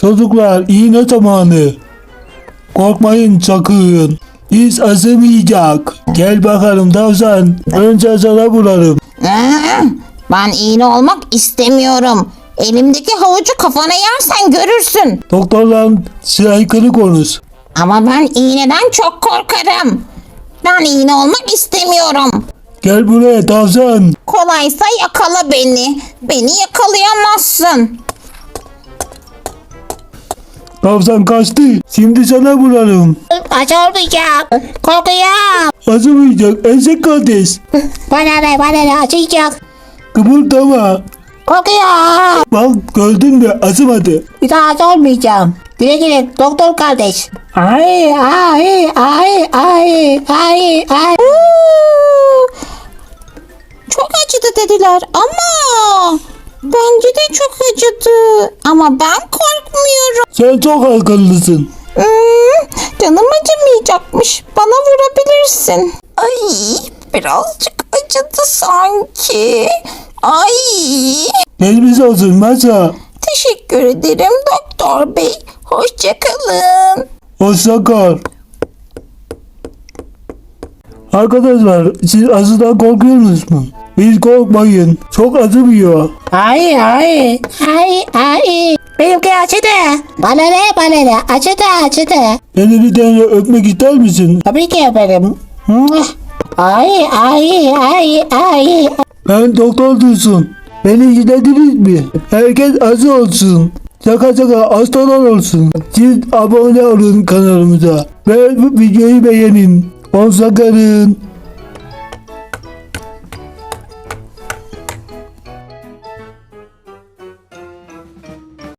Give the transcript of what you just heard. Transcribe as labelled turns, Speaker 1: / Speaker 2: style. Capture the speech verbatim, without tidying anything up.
Speaker 1: Çocuklar iğne zamanı. Korkmayın sakın. Hiç acımayacak. Gel bakalım tavşan. Önce sana bulalım.
Speaker 2: Ben iğne olmak istemiyorum. Elimdeki havucu kafana yersen görürsün.
Speaker 1: Doktorla saygılı konuş.
Speaker 2: Ama ben iğneden çok korkarım. Ben iğne olmak istemiyorum.
Speaker 1: Gel buraya tavşan.
Speaker 2: Kolaysa yakala beni. Beni yakalayamazsın.
Speaker 1: Tavşan kaçtı. Şimdi sana bulalım.
Speaker 2: Acı olmayacak. Korkuyorum.
Speaker 1: Acımayacak eşek kardeş.
Speaker 2: Bana ne bana ne acıyacak.
Speaker 1: Kıpırdama.
Speaker 2: Korkuyorum.
Speaker 1: Bak gördün mü acımadı.
Speaker 2: Bir daha acı olmayacağım. Güle güle doktor kardeş. Ay ay ay ay ay ay. Çok acıdı dediler ama bence de çok acıdı. Ama ben korkmuyorum.
Speaker 1: Sen çok akıllısın.
Speaker 2: Hmm, canım acımayacakmış. Bana vurabilirsin. Ay birazcık acıdı sanki. Ay.
Speaker 1: Geçmiş olsun masa.
Speaker 2: Teşekkür ederim doktor bey. Hoşçakalın.
Speaker 1: Hoşça kal. Arkadaşlar siz acıdan korkuyorsunuz mu? Biz korkmayın. Çok acımıyor.
Speaker 2: Ay ay ay ay. Benimki acıdı. Bana ne bana ne acıdı acıdı.
Speaker 1: Beni bir tane öpmek ister misin?
Speaker 2: Tabii ki efendim. Ay ay ay ay.
Speaker 1: Ben doktor Dursun. Beni izlediniz mi? Herkes acı olsun. Şaka şaka hastalar olsun. Siz abone olun kanalımıza. Ve bu videoyu beğenin. Hoşça kalın.